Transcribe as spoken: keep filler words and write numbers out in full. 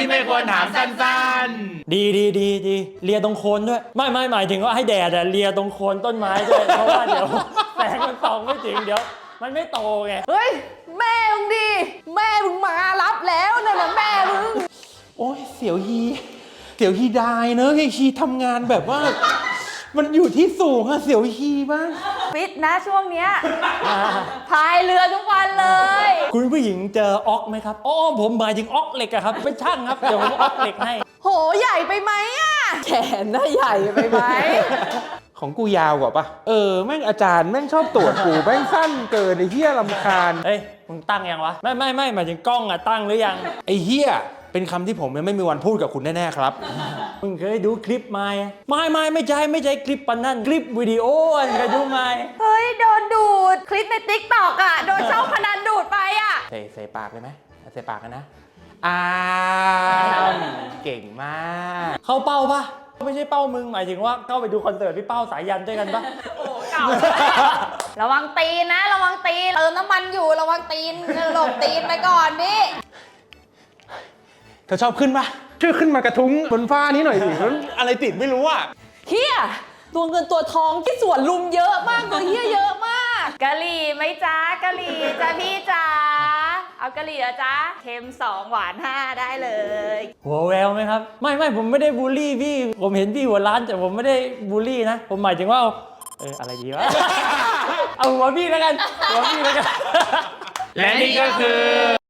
ที่ไม่ควรถามสั้นๆดีดีดีดีเลียตรงโคนด้วยไม่ไม่หมายถึงว่าให้แดดอะเลียตรงโคนต้นไม้ด้วยเพราะว่าเดี๋ยวแสงมันส่องไม่ถึงเดี๋ยวมันไม่โตไงเฮ้ยแม่มึงดิแม่มึงมารับแล้วนั่นน่ะแม่มึงโอ้ยเสียวฮีเสียวฮีได้เนอะไอ้ชีทำงานแบบว่ามันอยู่ที่สูงอะเสียวฮีบ้างฟิตนะช่วงเนี้ยพายเรือทุกวันเลยคุณผู้หญิงเจอออกไหมครับอ๋อผมหมายถึงออกเหล็กอะครับเป็นช่างครับเดี๋ยวผมออกเหล็กให้โหใหญ่ไปไหมอะแขนน่าใหญ่ไปไหมของกูยาวกว่าปะเออแม่งอาจารย์แม่งชอบตรวจกูแม่งสั้นเกินไอ้เหี้ยรำคาญเฮ้ยมึงตั้งยังวะไม่ไม่ไม่หมายถึงกล้องอะตั้งหรือยังไอ้เหี้ยเป็นคำที่ผมยังไม่มีวันพูดกับคุณแน่ๆครับมึงเคยดูคลิปไหมไม่ไม่ไม่ใช่ไม่ใช่คลิปปันนั่นคลิปวิดีโออันเคยดูไหมเฮ้ยโดนดูดคลิปในติ๊กต็อกอะโดนช่องพนันดูดไปอะใส่ใส่ปากเลยไหมใส่ปากกันนะอ้าวเก่งมากเข้าเป้าปะไม่ใช่เป้ามึงหมายถึงว่าเข้าไปดูคอนเสิร์ตพี่เป้าสายยันด้วยกันปะโอ้เก่าระวังตีนนะระวังตีนเติมน้ำมันอยู่ระวังตีนหลบตีนไปก่อนนี่เธอชอบขึ้นปะช่วยขึ้นมากระทุ้งบนฟ้านี้หน่อยสิอะไรติดไม่รู้อ่ะเฮียตัวเงินตัวทองที่สวนลุมเยอะมากตัวเฮียเยอะมากกะหรี่ไหมจ้ากะหรี่จ้าพี่จ้าเอากะหรี่อะจ้าเค็มสองหวานห้าได้เลยหัวแววไหมครับไม่ไม่ผมไม่ได้บูลลี่พี่ผมเห็นพี่หัวร้านแต่ผมไม่ได้บูลลี่นะผมหมายถึงว่าเอออะไรดีวะ เอาหัวพี่แล้วกันหัวพี่แล้วกันและนี่ก็คือ